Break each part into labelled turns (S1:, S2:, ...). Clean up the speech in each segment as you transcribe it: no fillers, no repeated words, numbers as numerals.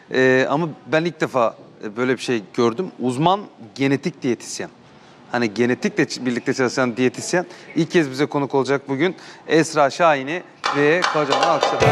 S1: Ama ben ilk defa böyle bir şey gördüm. Uzman genetik diyetisyen. Hani genetikle birlikte çalışan diyetisyen ilk kez bize konuk olacak bugün. Esra Şahin'i ve kocaman alkışlar.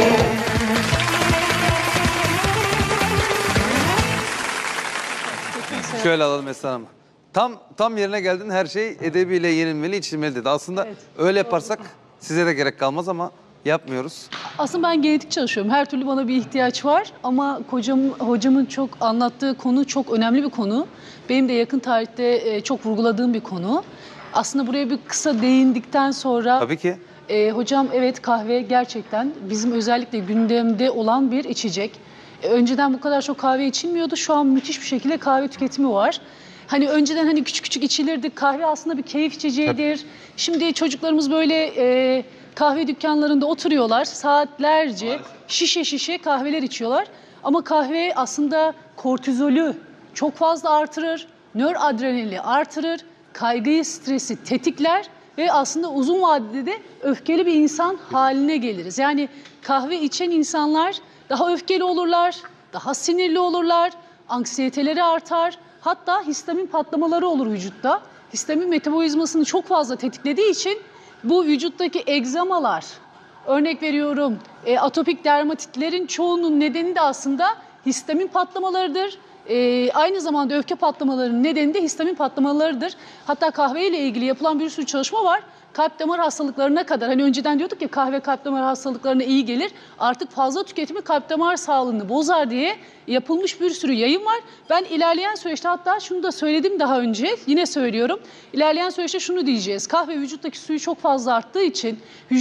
S1: Şöyle alalım Esra Hanım. Tam yerine geldin, her şey edebiyle yenilmeli, içilmeli dedi. Aslında
S2: Evet,
S1: öyle yaparsak size de gerek kalmaz ama yapmıyoruz.
S2: Aslında ben genetik çalışıyorum. Her türlü bana bir ihtiyaç var ama hocamın çok anlattığı konu çok önemli bir konu. Benim de yakın tarihte çok vurguladığım bir konu. Aslında buraya bir kısa değindikten sonra...
S1: Tabii ki.
S2: Hocam evet, kahve gerçekten bizim özellikle gündemde olan bir içecek. Önceden bu kadar çok kahve içilmiyordu. Şu an müthiş bir şekilde kahve tüketimi var. Hani önceden hani küçük küçük içilirdi. Kahve aslında bir keyif içeceğidir. Şimdi çocuklarımız böyle kahve dükkanlarında oturuyorlar. Saatlerce şişe şişe kahveler içiyorlar. Ama kahve aslında kortizolü çok fazla artırır. Nöradrenalini artırır. Kaygıyı, stresi tetikler. Ve aslında uzun vadede de öfkeli bir insan haline geliriz. Yani kahve içen insanlar daha öfkeli olurlar, daha sinirli olurlar, anksiyeteleri artar. Hatta histamin patlamaları olur vücutta. Histamin metabolizmasını çok fazla tetiklediği için bu vücuttaki egzamalar, örnek veriyorum atopik dermatitlerin çoğunun nedeni de aslında histamin patlamalarıdır. Aynı zamanda öfke patlamalarının nedeni de histamin patlamalarıdır. Hatta kahve ile ilgili yapılan bir sürü çalışma var. Kalp damar hastalıklarına kadar, hani önceden diyorduk ya kahve kalp damar hastalıklarına iyi gelir. Artık fazla tüketimi kalp damar sağlığını bozar diye yapılmış bir sürü yayın var. Ben ilerleyen süreçte, hatta şunu da söyledim daha önce, yine söylüyorum. İlerleyen süreçte şunu diyeceğiz. Kahve vücuttaki suyu çok fazla arttığı için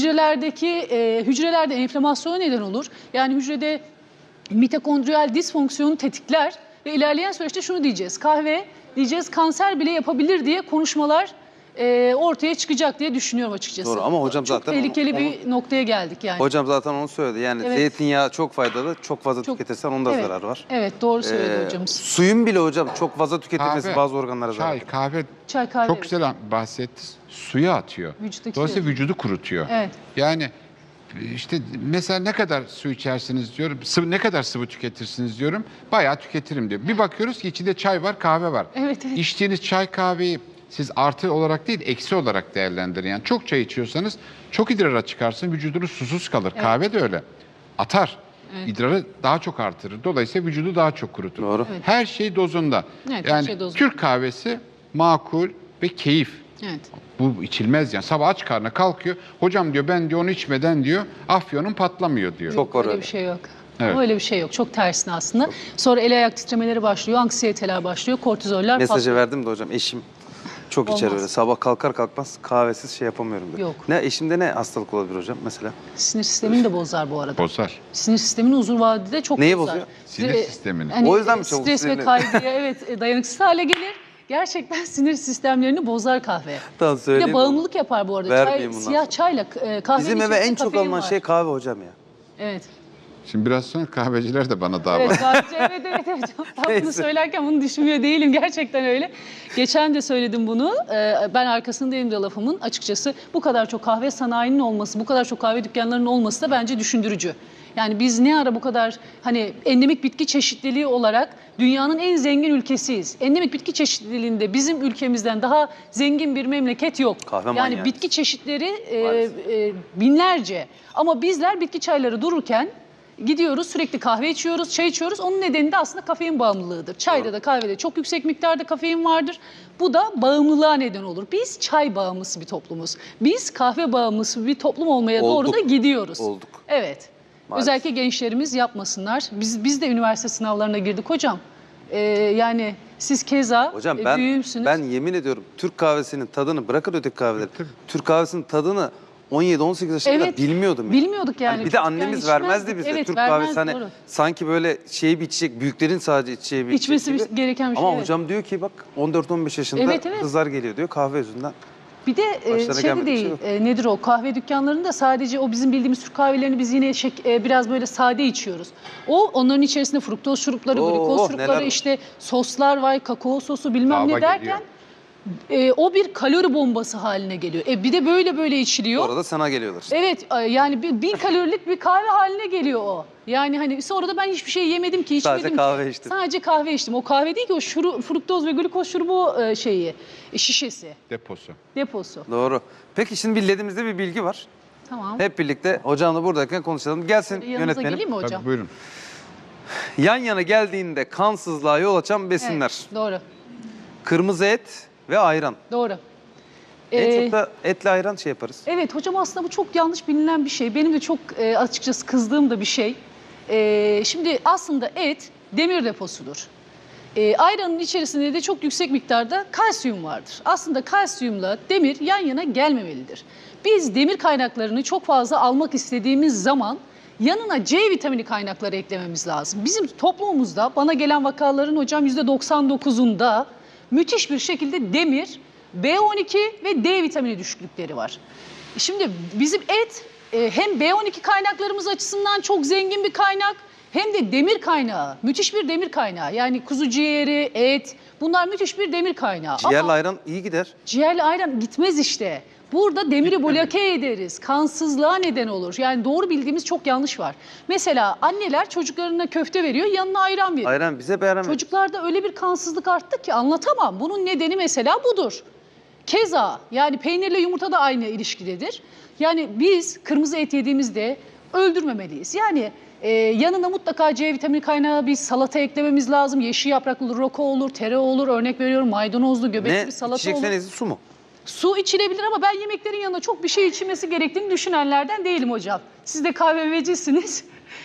S2: hücrelerde enflamasyona neden olur. Yani hücrede mitokondriyal disfonksiyonu tetikler. Ve ilerleyen süreçte şunu diyeceğiz. Kahve diyeceğiz kanser bile yapabilir diye konuşmalar ortaya çıkacak diye düşünüyorum açıkçası.
S1: Doğru ama hocam
S2: çok
S1: zaten
S2: tehlikeli bir noktaya geldik yani.
S1: Hocam zaten onu söyledi. Yani
S2: Evet.
S1: Zeytinyağı çok faydalı. Çok fazla tüketirsen onda
S2: evet,
S1: zarar var.
S2: Evet, doğru söyledi hocamız.
S1: Suyun bile hocam çok fazla tüketilmesi
S3: Kahve,
S1: bazı organlara zarar.
S3: Çay, kahve çok güzel bahsetti. Suya atıyor. Dolayısıyla vücudu kurutuyor.
S2: Evet.
S3: Yani işte mesela ne kadar su içersiniz diyorum, ne kadar sıvı tüketirsiniz diyorum, bayağı tüketirim diyor. Bir bakıyoruz ki içinde çay var, kahve var.
S2: Evet.
S3: İçtiğiniz çay, kahveyi siz artı olarak değil, eksi olarak değerlendirin. Yani çok çay içiyorsanız çok idrara çıkarsın, vücudunuz susuz kalır. Evet. Kahve de öyle. Atar. Evet. İdrarı daha çok artırır. Dolayısıyla vücudu daha çok kurutur.
S1: Doğru.
S3: Evet. Her şey dozunda.
S2: Evet,
S3: yani
S2: şey dozunda.
S3: Türk kahvesi makul ve keyif.
S2: Evet.
S3: Bu içilmez yani. Sabah aç karnına kalkıyor. Hocam diyor, ben diyor onu içmeden diyor afyonum patlamıyor diyor.
S1: Çok var
S2: öyle bir şey yok.
S3: Evet.
S2: Öyle bir şey yok. Çok tersine aslında. Sonra el ayak titremeleri başlıyor, anksiyeteler başlıyor, kortizoller
S1: Mesajı
S2: patlıyor.
S1: verdim de hocam, eşim çok içer öyle. Sabah kalkar kalkmaz kahvesiz şey yapamıyorum diyor.
S2: Yok.
S1: Ne eşimde ne hastalık olabilir hocam mesela?
S2: Sinir sistemini de bozar bu arada.
S3: Bozar.
S2: Sinir sistemini uzun vadede çok
S1: Neyi
S2: bozar.
S1: bozuyor?
S3: Sinir sistemini.
S2: Hani
S1: O yüzden mi çabuk
S2: stres ve
S1: sinirli?
S2: kaygıya dayanıksız hale gelir. Gerçekten sinir sistemlerini bozar kahve.
S1: Tamam
S2: Bir
S1: söyleyeyim.
S2: de bağımlılık yapar bu arada.
S1: Vermeyeyim bundan
S2: Siyah
S1: sonra.
S2: çayla kahvenin
S1: Bizim eve
S2: içerisinde
S1: en çok
S2: kafein
S1: alınan
S2: var.
S1: şey kahve hocam ya.
S2: Evet.
S3: Şimdi biraz sonra kahveciler de bana dava.
S2: Evet, evet. Ben bunu
S1: Neyse.
S2: söylerken bunu düşünmüyor değilim. Gerçekten öyle. Geçen de söyledim bunu. Ben arkasındayım da lafımın. Açıkçası bu kadar çok kahve sanayinin olması, bu kadar çok kahve dükkanlarının olması da bence düşündürücü. Yani biz ne ara bu kadar hani endemik bitki çeşitliliği olarak dünyanın en zengin ülkesiyiz. Endemik bitki çeşitliliğinde bizim ülkemizden daha zengin bir memleket yok.
S1: Kahve
S2: yani
S1: manyağı.
S2: bitki çeşitleri binlerce. Ama bizler bitki çayları dururken gidiyoruz, sürekli kahve içiyoruz, çay içiyoruz. Onun nedeni de aslında kafein bağımlılığıdır. Çayda da kahvede çok yüksek miktarda kafein vardır. Bu da bağımlılığa neden olur. Biz çay bağımlısı bir toplumuz. Biz kahve bağımlısı bir toplum olmaya doğru da gidiyoruz.
S1: Olduk.
S2: Evet.
S1: Maalesef.
S2: Özellikle gençlerimiz yapmasınlar. Biz de üniversite sınavlarına girdik hocam. Yani siz keza
S1: Hocam
S2: büyüğümsünüz.
S1: ben yemin ediyorum Türk kahvesinin tadını, bırakın öteki kahveleri. Türk kahvesinin tadını 17-18 yaşında
S2: Evet,
S1: bilmiyordum.
S2: bilmiyorduk yani.
S1: Hani bir de
S2: Çocukken
S1: annemiz vermezdi
S2: içmezdik.
S1: bize
S2: Evet,
S1: Türk
S2: vermez,
S1: kahvesi. Hani
S2: doğru.
S1: sanki böyle bir içecek, büyüklerin sadece içeceği bir
S2: İçmesi
S1: içecek gibi.
S2: gereken bir şey.
S1: Ama
S2: evet.
S1: hocam diyor ki bak 14-15 yaşında
S2: Evet.
S1: kızlar geliyor diyor kahve yüzünden.
S2: Bir de
S1: Başlarına
S2: şey de
S1: gelmedik bir
S2: değil,
S1: şey yok.
S2: nedir o? Kahve dükkanlarında sadece o bizim bildiğimiz Türk kahvelerini biz yine biraz böyle sade içiyoruz. Onların içerisinde fruktoz şurupları, glikoz
S1: neler
S2: şurupları,
S1: var.
S2: işte soslar var, kakao sosu bilmem
S3: Lava
S2: ne derken
S3: geliyor.
S2: O bir kalori bombası haline geliyor. Bir de böyle içiliyor.
S1: Orada sana geliyorlar.
S2: Evet, yani 1000 kalorilik bir kahve haline geliyor o. Yani hani sonra da ben hiçbir şey yemedim ki, içmedim
S1: Sadece
S2: ki.
S1: kahve içtin.
S2: Sadece kahve içtim. O kahve değil ki, o fruktoz ve glikoz şurubu şişesi, deposu.
S1: Doğru. Peki şimdi bildiğimizde bir bilgi var.
S2: Tamam.
S1: Hep birlikte hocamla buradayken konuşalım. Gelsin
S2: Yanınıza
S1: yönetmenim.
S2: geleyim mi hocam?
S3: Tabii, buyurun.
S1: Yan yana geldiğinde kansızlığa yol açan besinler.
S2: Evet, doğru.
S1: Kırmızı et ve ayran.
S2: Doğru.
S1: En çok da etle ayran şey yaparız.
S2: Evet hocam, aslında bu çok yanlış bilinen bir şey. Benim de çok açıkçası kızdığım da bir şey. Şimdi aslında et demir deposudur. Ayranın içerisinde de çok yüksek miktarda kalsiyum vardır. Aslında kalsiyumla demir yan yana gelmemelidir. Biz demir kaynaklarını çok fazla almak istediğimiz zaman yanına C vitamini kaynakları eklememiz lazım. Bizim toplumumuzda bana gelen vakaların hocam %99'unda müthiş bir şekilde demir, B12 ve D vitamini düşüklükleri var. Şimdi bizim et hem B12 kaynaklarımız açısından çok zengin bir kaynak, hem de demir kaynağı, müthiş bir demir kaynağı. Yani kuzu ciğeri, et, bunlar müthiş bir demir kaynağı.
S1: Ciğerle
S2: Ama
S1: ayran iyi gider.
S2: ciğerle ayran gitmez işte. Burada demiri bloke ederiz, kansızlığa neden olur. Yani doğru bildiğimiz çok yanlış var. Mesela anneler çocuklarına köfte veriyor, yanına ayran veriyor.
S1: Ayran bize beğenmez.
S2: Çocuklarda öyle bir kansızlık arttı ki anlatamam. Bunun nedeni mesela budur. Keza yani peynirle yumurta da aynı ilişkidedir. Yani biz kırmızı et yediğimizde öldürmemeliyiz. Yani yanına mutlaka C vitamini kaynağı bir salata eklememiz lazım. Yeşil yapraklı roko olur, tere olur, örnek veriyorum maydanozlu göbekli bir salata olur.
S1: İçecekseniz su mu?
S2: Su içilebilir ama ben yemeklerin yanına çok bir şey içilmesi gerektiğini düşünenlerden değilim hocam. Siz de kahvecisiniz.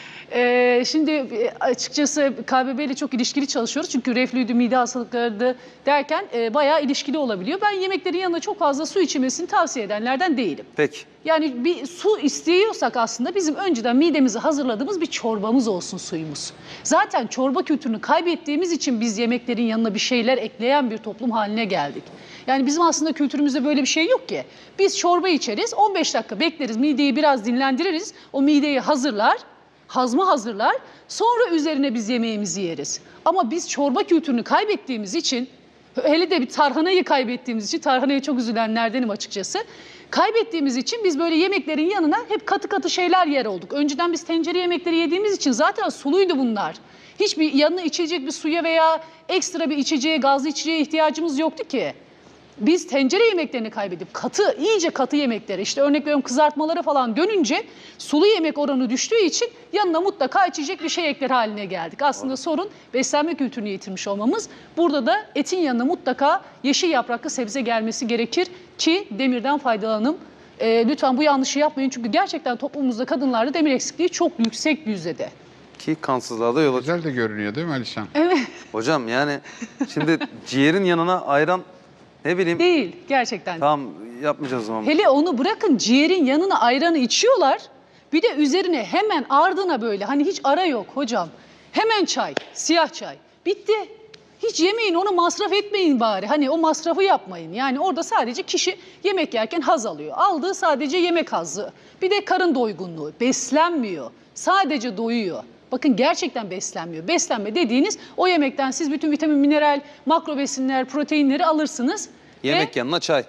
S2: Şimdi açıkçası KBB ile çok ilişkili çalışıyoruz. Çünkü reflüydü, mide hastalıkları derken bayağı ilişkili olabiliyor. Ben yemeklerin yanına çok fazla su içilmesini tavsiye edenlerden değilim.
S1: Peki.
S2: Yani bir su istiyorsak aslında bizim önceden midemizi hazırladığımız bir çorbamız olsun suyumuz. Zaten çorba kültürünü kaybettiğimiz için biz yemeklerin yanına bir şeyler ekleyen bir toplum haline geldik. Yani bizim aslında kültürümüzde böyle bir şey yok ki. Biz çorba içeriz, 15 dakika bekleriz, mideyi biraz dinlendiririz. O mideyi hazırlar, hazma hazırlar. Sonra üzerine biz yemeğimizi yeriz. Ama biz çorba kültürünü kaybettiğimiz için, hele de bir tarhanayı kaybettiğimiz için, tarhanaya çok üzülenlerdenim açıkçası. Kaybettiğimiz için biz böyle yemeklerin yanına hep katı katı şeyler yer olduk. Önceden biz tencere yemekleri yediğimiz için zaten suluydu bunlar. Hiçbir yanına içecek bir suya veya ekstra bir içeceğe, gazlı içeceğe ihtiyacımız yoktu ki. Biz tencere yemeklerini kaybedip katı, iyice katı yemeklere, işte örnek veriyorum kızartmalara falan dönünce sulu yemek oranı düştüğü için yanına mutlaka içecek bir şey ekler haline geldik. Aslında sorun beslenme kültürünü yitirmiş olmamız. Burada da etin yanına mutlaka yeşil yapraklı sebze gelmesi gerekir ki demirden faydalanalım. Lütfen bu yanlışı yapmayın çünkü gerçekten toplumumuzda kadınlarda demir eksikliği çok yüksek bir yüzdede.
S1: Ki kansızlığa da yol açar.
S3: Güzel de görünüyor değil mi Alişan?
S2: Evet.
S1: Hocam yani şimdi ciğerin yanına ayran ne bileyim.
S2: Değil gerçekten.
S1: Tamam yapmayacağız o zaman.
S2: Hele onu bırakın, ciğerin yanına ayranı içiyorlar. Bir de üzerine hemen ardına böyle, hani hiç ara yok hocam. Hemen çay, siyah çay. Bitti. Hiç yemeyin, onu masraf etmeyin bari. Hani o masrafı yapmayın. Yani orada sadece kişi yemek yerken haz alıyor. Aldığı sadece yemek hazzı. Bir de karın doygunluğu. Beslenmiyor. Sadece doyuyor. Bakın gerçekten beslenmiyor. Beslenme dediğiniz o yemekten siz bütün vitamin, mineral, makro besinler, proteinleri alırsınız.
S1: Yemek yanına çay.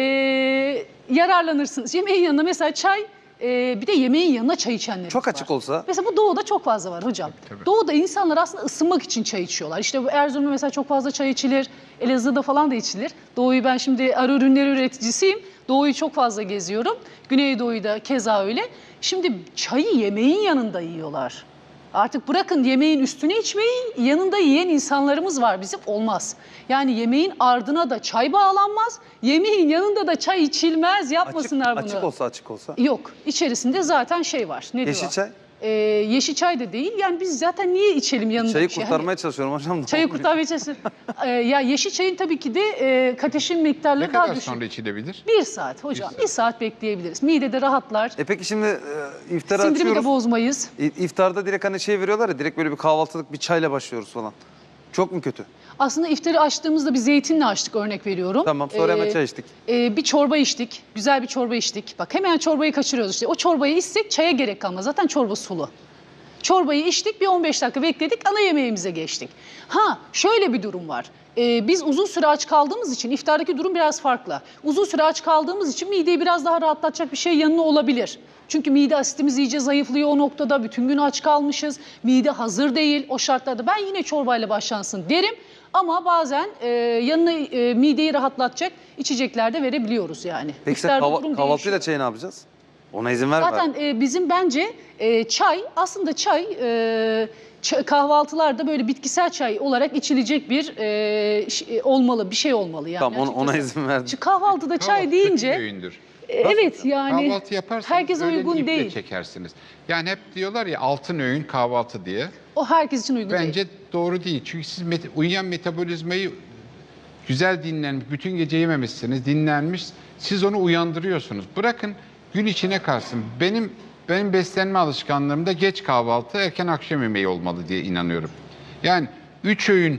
S2: Yararlanırsınız. Yemeğin yanına mesela çay, bir de yemeğin yanına çay içenler
S1: Çok
S2: var.
S1: açık olsa.
S2: Mesela bu doğuda çok fazla var hocam.
S3: Tabii.
S2: Doğuda insanlar aslında ısınmak için çay içiyorlar. İşte bu Erzurum'da mesela çok fazla çay içilir. Elazığ'da falan da içilir. Doğuyu ben şimdi arı ürünleri üreticisiyim. Doğuyu çok fazla geziyorum. Güneydoğu'yu da keza öyle. Şimdi çayı yemeğin yanında yiyorlar. Artık bırakın yemeğin üstüne içmeyi, yanında yiyen insanlarımız var, bizim olmaz. Yani yemeğin ardına da çay bağlanmaz, yemeğin yanında da çay içilmez, yapmasınlar bunu.
S1: Açık olsa.
S2: Yok, içerisinde zaten şey var. Ne
S1: Yeşil
S2: diyor?
S1: çay.
S2: Yeşil çay da değil. Yani biz zaten niye içelim yanında
S1: Çayı
S2: bir şey?
S1: kurtarmaya çalışıyorum hocam.
S2: Çayı kurtarmaya çalışıyorum. Ya yeşil çayın tabii ki de kateşin miktarları
S3: Ne
S2: daha
S3: kadar
S2: düşük.
S3: sonra içilebilir?
S2: 1 saat hocam. 1 saat bekleyebiliriz. Midede rahatlar.
S1: Peki şimdi iftara
S2: Sindirimi de
S1: açıyoruz.
S2: bozmayız.
S1: İftarda direkt hani şey veriyorlar ya, direkt böyle bir kahvaltılık bir çayla başlıyoruz falan. Çok mu kötü?
S2: Aslında iftarı açtığımızda bir zeytinle açtık, örnek veriyorum.
S1: Tamam, sonra hemen çay içtik.
S2: Bir çorba içtik. Güzel bir çorba içtik. Bak hemen çorbayı kaçırıyoruz işte. O çorbayı içsek çaya gerek kalmaz. Zaten çorba sulu. Çorbayı içtik, bir 15 dakika bekledik, ana yemeğimize geçtik. Ha, şöyle bir durum var. Biz uzun süre aç kaldığımız için iftardaki durum biraz farklı. Uzun süre aç kaldığımız için mideyi biraz daha rahatlatacak bir şey yanına olabilir. Çünkü mide asitimiz iyice zayıflıyor o noktada. Bütün gün aç kalmışız. Mide hazır değil o şartlarda. Ben yine çorbayla başlansın derim. Ama bazen yanına mideyi rahatlatacak içecekler de verebiliyoruz yani.
S1: Peki sen
S2: İftarda durum
S1: kahvaltıyla
S2: değişiyor.
S1: çayı ne yapacağız? Ona izin verme.
S2: Zaten bizim bence çay, aslında çay kahvaltılarda böyle bitkisel çay olarak içilecek bir olmalı, bir şey olmalı yani.
S1: Tamam, ona
S2: açıkçası.
S1: izin verdim.
S2: Çünkü kahvaltıda çay
S3: Kahvaltı
S2: deyince
S3: kötü bir öğündür.
S2: evet yani
S3: Kahvaltı yaparsanız
S2: herkese
S3: öğleni
S2: uygun
S3: iple
S2: değil.
S3: çekersiniz. Yani hep diyorlar ya altın öğün kahvaltı diye.
S2: O herkes için uygun değil.
S3: Bence doğru değil. Çünkü siz uyuyan metabolizmayı güzel dinlenmiş, bütün gece yememişsiniz, dinlenmiş. Siz onu uyandırıyorsunuz. Bırakın gün içine kalsın. Benim beslenme alışkanlığımda geç kahvaltı, erken akşam yemeği olmalı diye inanıyorum. Yani 3 öğün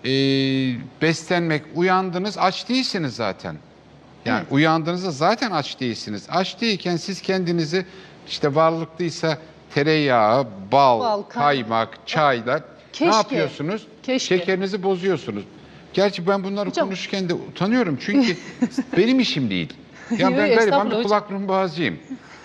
S3: beslenmek, uyandınız, aç değilsiniz zaten. Yani
S2: Evet.
S3: uyandığınızda zaten aç değilsiniz. Aç değilken siz kendinizi işte varlıklıysa tereyağı, bal, kaymak, çayla
S2: Keşke.
S3: ne yapıyorsunuz?
S2: Keşke.
S3: Şekerinizi bozuyorsunuz. Gerçi ben bunları
S2: Hocam.
S3: konuşurken de utanıyorum çünkü benim işim değil. Ya
S2: Yo,
S3: ben gariban
S2: estağfurullah
S3: bir
S2: hocam.
S3: kulak burun boğazcıyım.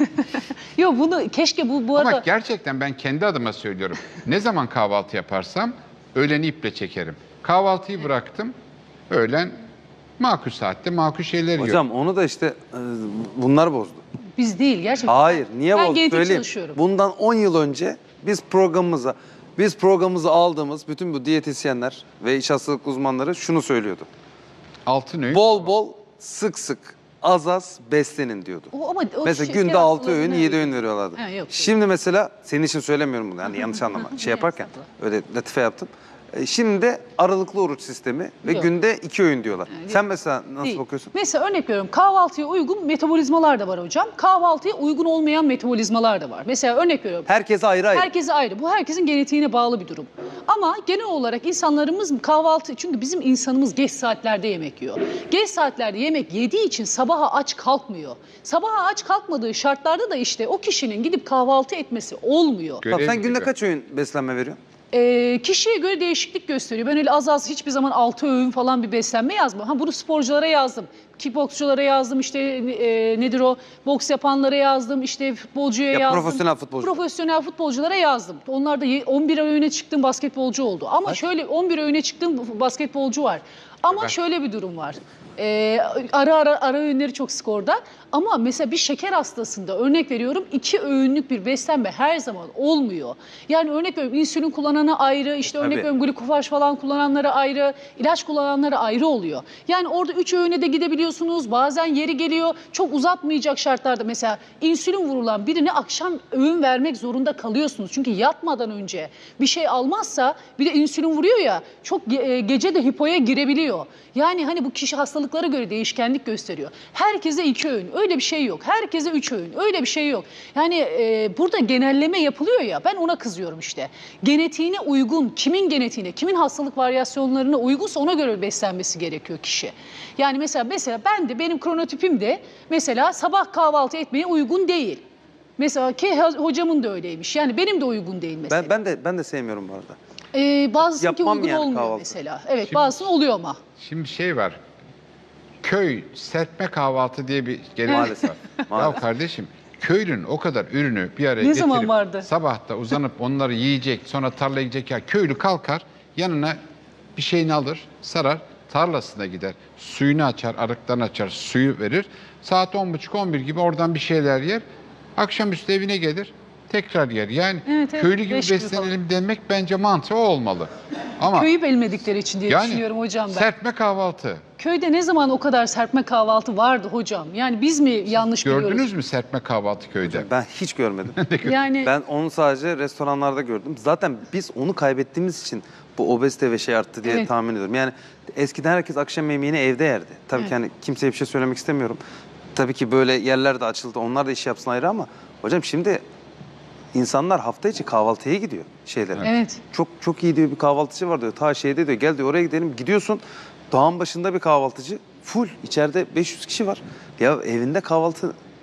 S2: Yok bunu keşke bu
S3: Ama
S2: arada
S3: gerçekten ben kendi adıma söylüyorum. Ne zaman kahvaltı yaparsam öğleni iple çekerim. Kahvaltıyı bıraktım. Öğlen makul saatte makul şeyler yiyorum.
S1: Hocam onu da işte bunlar bozdu.
S2: biz değil gerçekten.
S1: Hayır, niye
S2: Ben
S1: bozdu?
S2: genetik
S1: Söyleyeyim.
S2: çalışıyorum.
S1: Bundan 10 yıl önce biz programımıza aldığımız bütün bu diyetisyenler ve iç hastalık uzmanları şunu söylüyordu.
S3: Altın öğün.
S1: Bol bol, sık sık, az az beslenin diyordu.
S2: Ama o
S1: Mesela
S2: şeker
S1: günde 6
S2: hastalarına
S1: öğün, 7
S2: uygun.
S1: öğün veriyorlardı.
S2: Ha, yok.
S1: Şimdi mesela senin için söylemiyorum bunu. Yani yanlış anlama. Şey yaparken öyle latife yaptım. Şimdi de aralıklı oruç sistemi ve
S2: Yok.
S1: günde 2 öğün diyorlar. Sen mesela nasıl
S2: Değil.
S1: bakıyorsun?
S2: Mesela örnek veriyorum, kahvaltıya uygun metabolizmalar da var hocam. Kahvaltıya uygun olmayan metabolizmalar da var. Mesela örnek veriyorum.
S1: Herkese ayrı ayrı.
S2: Herkese ayrı. Bu herkesin genetiğine bağlı bir durum. Ama genel olarak insanlarımız kahvaltı, çünkü bizim insanımız geç saatlerde yemek yiyor. Geç saatlerde yemek yediği için sabaha aç kalkmıyor. Sabaha aç kalkmadığı şartlarda da işte o kişinin gidip kahvaltı etmesi olmuyor.
S1: Tamam,
S3: Görev
S1: sen günde
S3: gibi.
S1: kaç öğün beslenme veriyorsun?
S2: Kişiye göre değişiklik gösteriyor. Ben öyle az az hiçbir zaman 6 öğün falan bir beslenme yazmam. Ha, bunu sporculara yazdım. Kickboksçulara yazdım, işte nedir o, boks yapanlara yazdım, işte futbolcuya
S1: Ya
S2: yazdım.
S1: profesyonel futbolcu.
S2: Profesyonel futbolculara yazdım. Onlar da 11 öğüne çıktığım basketbolcu oldu. Ama şöyle 11 öğüne çıktığım basketbolcu var. Ama
S3: Evet.
S2: şöyle bir durum var. Ara öğünleri çok sık orada. Ama mesela bir şeker hastasında örnek veriyorum 2 öğünlük bir beslenme her zaman olmuyor. Yani örnek veriyorum insülin kullanana ayrı, işte örnek
S1: Tabii.
S2: veriyorum glukofaj falan kullananlara ayrı, ilaç kullananlara ayrı oluyor. Yani orada 3 öğüne de gidebiliyorsunuz. Bazen yeri geliyor çok uzatmayacak şartlarda mesela insülin vurulan birine akşam öğün vermek zorunda kalıyorsunuz. Çünkü yatmadan önce bir şey almazsa, bir de insülin vuruyor ya, çok gece de hipoya girebiliyor. Yani hani bu kişi hastalıklara göre değişkenlik gösteriyor. Herkese 2 öğün, öyle bir şey yok. Herkese 3 öğün, öyle bir şey yok. Yani burada genelleme yapılıyor ya, ben ona kızıyorum işte. Genetiğine uygun, kimin genetiğine, kimin hastalık varyasyonlarına uygunsa ona göre beslenmesi gerekiyor kişi. Yani mesela benim kronotipim de mesela sabah kahvaltı etmeye uygun değil. Mesela ki hocamın da öyleymiş. Yani benim de uygun değil mesela.
S1: Ben de sevmiyorum bu arada.
S2: Bazısınınki
S1: Yapmam
S2: uygun
S1: yani
S2: olmuyor
S1: kahvaltı.
S2: mesela. Evet,
S3: Şimdi-
S2: bazısının oluyor ama.
S3: Şimdi şey var. Köy serpme kahvaltı diye bir gelenek
S1: Maalesef,
S3: var.
S1: maalesef.
S3: Ya kardeşim köylünün o kadar ürünü bir araya
S2: Ne zaman
S3: getirip
S2: vardı?
S3: sabah da uzanıp onları yiyecek, sonra tarlaya gidecek ya köylü kalkar yanına bir şeyini alır, sarar, tarlasına gider. Suyunu açar, arıktan açar, suyu verir. Saat 10.30-11 gibi oradan bir şeyler yer. Akşamüstü evine gelir, tekrar yer. Yani
S2: Evet, evet.
S3: köylü gibi
S2: 5 gibi
S3: beslenelim demek bence mantığı o olmalı. Ama
S2: Köyü bilmedikleri için diye
S3: yani
S2: düşünüyorum hocam ben.
S3: serpme kahvaltı.
S2: Köyde ne zaman o kadar serpme kahvaltı vardı hocam? Yani biz mi yanlış biliyoruz?
S3: Gördünüz mü serpme kahvaltı köyde?
S1: Ben hiç görmedim.
S2: Yani
S1: Ben onu sadece restoranlarda gördüm. Zaten biz onu kaybettiğimiz için bu obezite ve şey arttı diye
S2: Evet.
S1: tahmin ediyorum. Yani eskiden herkes akşam yemeğini evde yerdi. Tabii
S2: Evet.
S1: ki hani kimseye bir şey söylemek istemiyorum. Tabii ki böyle yerler de açıldı. Onlar da iş yapsın ayrı ama hocam şimdi insanlar hafta içi kahvaltıya gidiyor şeylere.
S2: evet.
S1: Çok iyi diyor bir kahvaltıcı var diyor. Ta şeyde diyor gel diyor oraya gidelim. Gidiyorsun dağın başında bir kahvaltıcı full içeride 500 kişi var. Ya evinde kahvaltı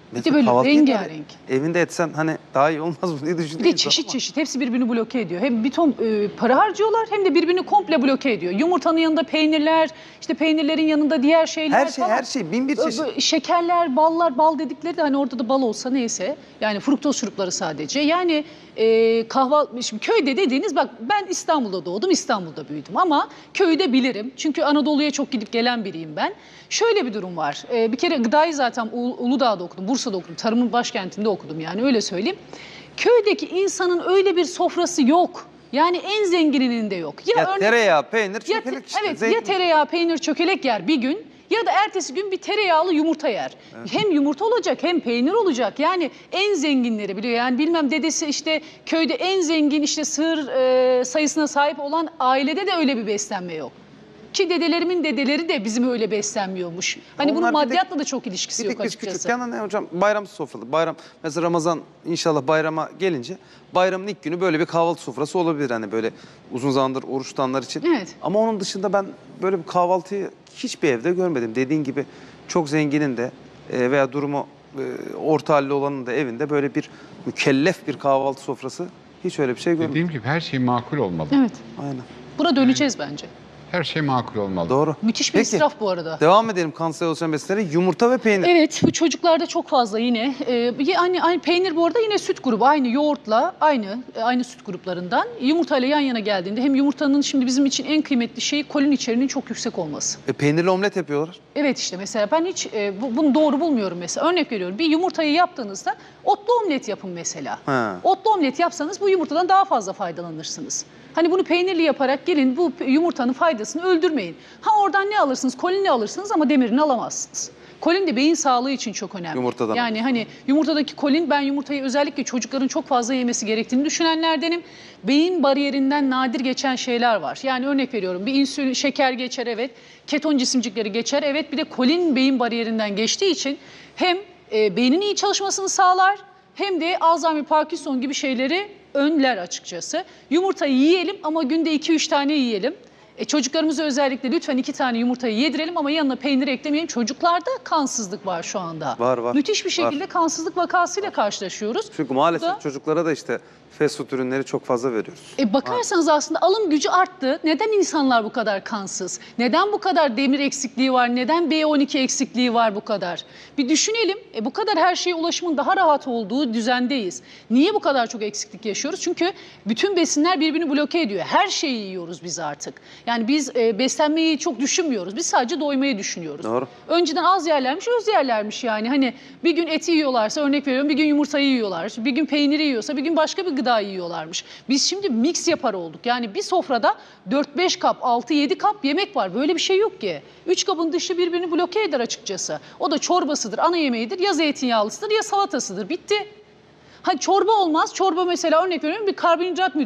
S2: Bir de böyle
S1: kahvaltıyı
S2: rengarenk.
S1: evinde etsen hani daha iyi olmaz mı diye düşündüm.
S2: Bir de çeşit çeşit. Hepsi birbirini bloke ediyor. Hem bir ton para harcıyorlar hem de birbirini komple bloke ediyor. Yumurtanın yanında peynirler, işte peynirlerin yanında diğer şeyler
S1: Her şey,
S2: falan.
S1: her şey. Bin bir çeşit.
S2: Şekerler, ballar, bal dedikleri de hani orada da bal olsa neyse. Yani fruktoz şurupları sadece. Yani kahvaltı, şimdi köyde dediğiniz, bak ben İstanbul'da doğdum, İstanbul'da büyüdüm ama köyü de bilirim. Çünkü Anadolu'ya çok gidip gelen biriyim ben. Şöyle bir durum var. Bir kere gıdayı zaten Uludağ'da okudum, Bursa'da okudum, tarımın başkentinde okudum yani öyle söyleyeyim. Köydeki insanın öyle bir sofrası yok. Yani en zengininin de yok.
S1: Ya tereyağı, peynir, çökelek işte.
S2: Evet,
S1: zeytin.
S2: ya tereyağı, peynir, çökelek yer bir gün ya da ertesi gün bir tereyağlı yumurta yer. Evet. Hem yumurta olacak hem peynir olacak. Yani en zenginleri biliyor. Yani bilmem dedesi işte köyde en zengin işte sığır sayısına sahip olan ailede de öyle bir beslenme yok. Ki dedelerimin dedeleri de bizim öyle beslenmiyormuş. Hani
S1: Onlar
S2: bunun
S1: bir
S2: maddiyatla da çok ilişkisi
S1: Bir
S2: yok
S1: tek biz
S2: açıkçası.
S1: küçükken hani hocam bayram sofralı. Bayram mesela Ramazan inşallah bayrama gelince bayramın ilk günü böyle bir kahvaltı sofrası olabilir hani böyle uzun zamandır oruç tutanlar için.
S2: Evet.
S1: Ama onun dışında ben böyle bir kahvaltıyı hiçbir evde görmedim. Dediğin gibi çok zenginin de veya durumu orta halli olanın da evinde böyle bir mükellef bir kahvaltı sofrası hiç öyle bir şey görmedim.
S3: Dediğim gibi her şey makul olmalı.
S2: Evet.
S1: Aynen.
S2: Buna döneceğiz bence.
S3: Her şey makul olmalı.
S1: Doğru.
S2: Müthiş bir
S1: Peki,
S2: israf bu arada.
S1: devam edelim kanser oluşan besinlere. Yumurta ve peynir.
S2: Evet, bu çocuklarda çok fazla yine. Aynı peynir bu arada yine süt grubu, aynı yoğurtla aynı süt gruplarından. Yumurtayla yan yana geldiğinde hem yumurtanın şimdi bizim için en kıymetli şeyi kolin içeriğinin çok yüksek olması.
S1: Peynirli omlet yapıyorlar.
S2: Evet işte mesela ben hiç bunu doğru bulmuyorum mesela. Örnek veriyorum, bir yumurtayı yaptığınızda otlu omlet yapın mesela.
S1: Ha.
S2: Otlu omlet yapsanız bu yumurtadan daha fazla faydalanırsınız. Hani bunu peynirli yaparak gelin bu yumurtanın faydasını öldürmeyin. Ha oradan ne alırsınız? Kolinini alırsınız ama demirini alamazsınız. Kolin de beyin sağlığı için çok önemli.
S1: Yumurtadan.
S2: Yani hani yumurtadaki kolin, ben yumurtayı özellikle çocukların çok fazla yemesi gerektiğini düşünenlerdenim. Beyin bariyerinden nadir geçen şeyler var. Yani örnek veriyorum, bir insülin, şeker geçer evet, keton cisimcikleri geçer evet, bir de kolin beyin bariyerinden geçtiği için hem beynin iyi çalışmasını sağlar hem de Alzheimer, Parkinson gibi şeyleri önler açıkçası. Yumurtayı yiyelim ama günde 2-3 tane yiyelim. Çocuklarımıza özellikle lütfen 2 tane yumurtayı yedirelim ama yanına peynir eklemeyelim. Çocuklarda kansızlık var şu anda.
S1: Var.
S2: Müthiş bir şekilde kansızlık vakasıyla karşılaşıyoruz.
S1: Çünkü maalesef
S2: Bu da,
S1: çocuklara da işte fast food ürünleri çok fazla veriyoruz.
S2: bakarsanız aslında alım gücü arttı. Neden insanlar bu kadar kansız? Neden bu kadar demir eksikliği var? Neden B12 eksikliği var bu kadar? Bir düşünelim. Bu kadar her şeye ulaşımın daha rahat olduğu düzendeyiz. Niye bu kadar çok eksiklik yaşıyoruz? Çünkü bütün besinler birbirini bloke ediyor. Her şeyi yiyoruz biz artık. Yani biz beslenmeyi çok düşünmüyoruz. Biz sadece doymayı düşünüyoruz.
S1: Doğru.
S2: Önceden az yerlermiş, öz yerlermiş yani. Hani bir gün eti yiyorlarsa, örnek veriyorum, bir gün yumurtayı yiyorlar. Bir gün peyniri yiyorsa bir gün başka bir gıda yiyorlarmış. Biz şimdi mix yapar olduk. Yani bir sofrada 4-5 kap, 6-7 kap yemek var. Böyle bir şey yok ki. 3 kabın dışı birbirini bloke eder açıkçası. O da çorbasıdır, ana yemeğidir, ya zeytinyağlısıdır ya salatasıdır. Bitti. Hani çorba olmaz. Çorba mesela örnek veriyorum bir karbonhidrat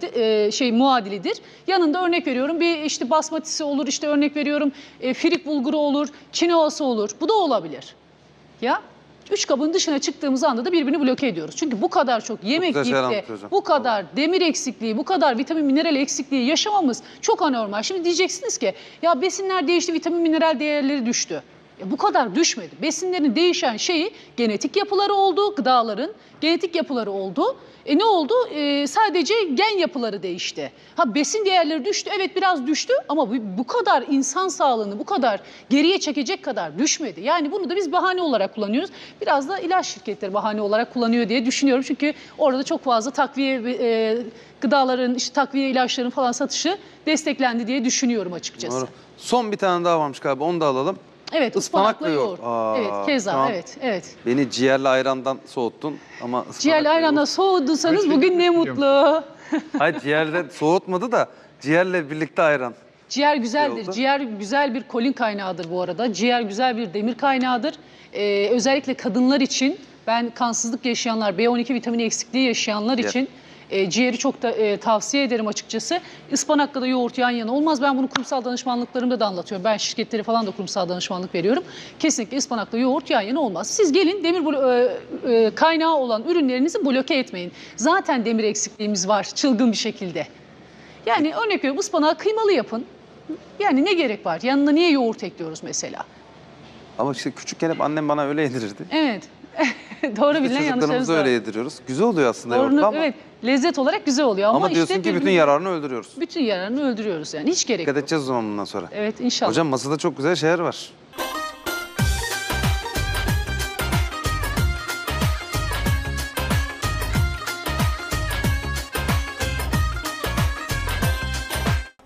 S2: muadilidir. Yanında örnek veriyorum bir işte basmatisi olur, işte örnek veriyorum firik bulguru olur, kinoası olur. Bu da olabilir. Ya 3 kabın dışına çıktığımız anda da birbirini bloke ediyoruz. Çünkü bu kadar çok yemek yiyip de bu kadar demir eksikliği, bu kadar vitamin mineral eksikliği yaşamamız çok anormal. Şimdi diyeceksiniz ki ya besinler değişti, vitamin mineral değerleri düştü. Bu kadar düşmedi. Besinlerin değişen şeyi genetik yapıları oldu, gıdaların genetik yapıları oldu. Ne oldu? Sadece gen yapıları değişti. Ha besin değerleri düştü, evet biraz düştü ama bu kadar insan sağlığını bu kadar geriye çekecek kadar düşmedi. Yani bunu da biz bahane olarak kullanıyoruz. Biraz da ilaç şirketleri bahane olarak kullanıyor diye düşünüyorum. Çünkü orada çok fazla takviye gıdaların, işte takviye ilaçların falan satışı desteklendi diye düşünüyorum açıkçası.
S1: Doğru. Son bir tane daha varmış galiba, onu da alalım.
S2: Evet, ıspanaklı yoğurt. Evet,
S1: şu
S2: keza,
S1: an
S2: evet.
S1: Beni ciğerli ayrandan soğuttun ama ıspanaklı
S2: Ciğerli ayranla
S1: yoğurt.
S2: soğuduysanız bugün ne mutlu.
S1: Hayır, ciğerle soğutmadı da ciğerle birlikte ayran.
S2: Ciğer güzeldir.
S1: oldu.
S2: Ciğer güzel bir kolin kaynağıdır bu arada. Ciğer güzel bir demir kaynağıdır. Özellikle kadınlar için, ben kansızlık yaşayanlar, B12 vitamini eksikliği yaşayanlar için ciğeri çok da tavsiye ederim açıkçası. Ispanakla da yoğurt yan yana olmaz. Ben bunu kurumsal danışmanlıklarımda da anlatıyorum. Ben şirketleri falan da kurumsal danışmanlık veriyorum. Kesinlikle ıspanakla yoğurt yan yana olmaz. Siz gelin demir kaynağı olan ürünlerinizi bloke etmeyin. Zaten demir eksikliğimiz var çılgın bir şekilde. Yani örnek veriyorum, ıspanağı kıymalı yapın. Yani ne gerek var? Yanına niye yoğurt ekliyoruz mesela?
S1: Ama işte küçükken hep annem bana öyle yedirirdi.
S2: Evet. Doğru
S1: Biz de
S2: bilinen yanlışlarımız
S1: çocuklarımıza
S2: var.
S1: öyle yediriyoruz. Güzel oluyor aslında
S2: Doğrunu-
S1: yoğurtlu ama.
S2: evet, lezzet olarak güzel oluyor ama,
S1: Ama diyorsun
S2: işte
S1: ki bütün
S2: birbirini-
S1: yararını öldürüyoruz.
S2: bütün yararını öldürüyoruz yani. Hiç gerek
S1: Dikkat
S2: yok.
S1: edeceğiz o zaman bundan sonra.
S2: Evet, inşallah.
S1: Hocam masada çok güzel şeyler var.